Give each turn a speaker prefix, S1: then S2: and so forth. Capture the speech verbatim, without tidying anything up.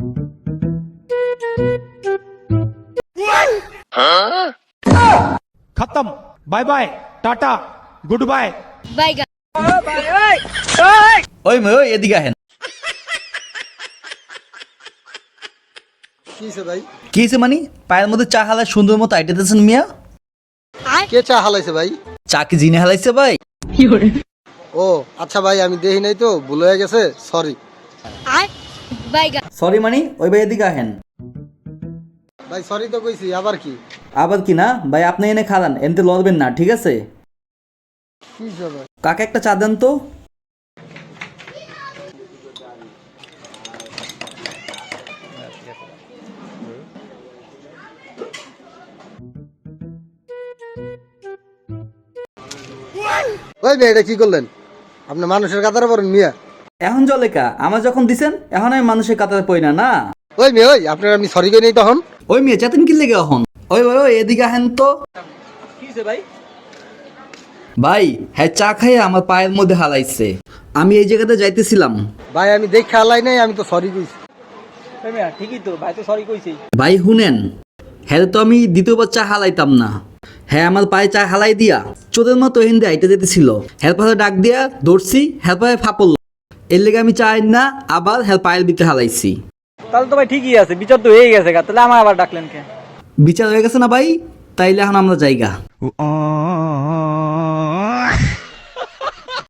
S1: खत्म, bye bye, tata, goodbye.
S2: বাইগা।
S3: ওই মেয়ে ওই এদিকে আহেন।
S4: কিছে ভাই?
S3: কিছে মানে পায়ের মধ্যে চা হালা সুন্দর মতো আইটেতেছেন মিয়া।
S4: কে চা হালাইছে ভাই?
S3: চা কি জিনে হালাইছে ভাই?
S4: ও আচ্ছা ভাই, আমি দেখি নাই তো, ভুল হয়ে গেছে, সরি।
S2: আর বাইগা।
S3: সরি মানে ওই ভাই এদিকে আহেন।
S4: ভাই সরি তো কইছি, আবার কি?
S3: আবার কি না ভাই, আপনি এনে খালান, এনতে লড়বেন না, ঠিক আছে?
S4: কিছে ভাই?
S3: কাকে একটা চা দেন তো।
S4: ওই মেয়ে, এটা কি করলেন? আপনি মানুষের কাতারে পড়েন মিয়া।
S3: এখন জলেকা আমার যখন দিছেন এখন আমি মানুষের কাতারে পড়ি না না।
S4: ওই মেয়ে, ওই আপনার আমি সরি কই নাই তখন।
S3: ওই মেয়ে চেতেন কি লেগে এখন? ওই ওই ওই এদিকে আহেন তো।
S5: ভাই
S3: ভাই হ্যাঁ চা খাইয়ে আমার পায়ের মধ্যে হালাইছে। আমি এই জায়গাতে যাইতেছিলাম।
S4: ভাই আমি দেখে হালাই নাই, আমি তো সরি কইছি।
S5: ঠিকই তো, ভাই তো সরি কইছি।
S3: ভাই শুনেন, হ্যাঁ তো আমি দ্বিতীয়বার চা হালাইতাম না। হ্যাঁ আমার পায়ে চা হালাই দিয়া চোদের মতো হিন্দে আইতে যেতেছিল। হ্যাঁ পাশে ডাক দিয়া দৌড়ছি, হ্যাঁ পায়ে ফাপল। এর লেগে আমি চাই না আবার হ্যাঁ পায়ের ভিতরে হালাইছি।
S5: তাহলে তো ভাই ঠিকই আছে, বিচার তো হয়ে গেছে, তাহলে আমার আবার ডাকলেন কে?
S3: বিচার হয়ে গেছে না ভাই, তাইলে এখন আমরা জায়গা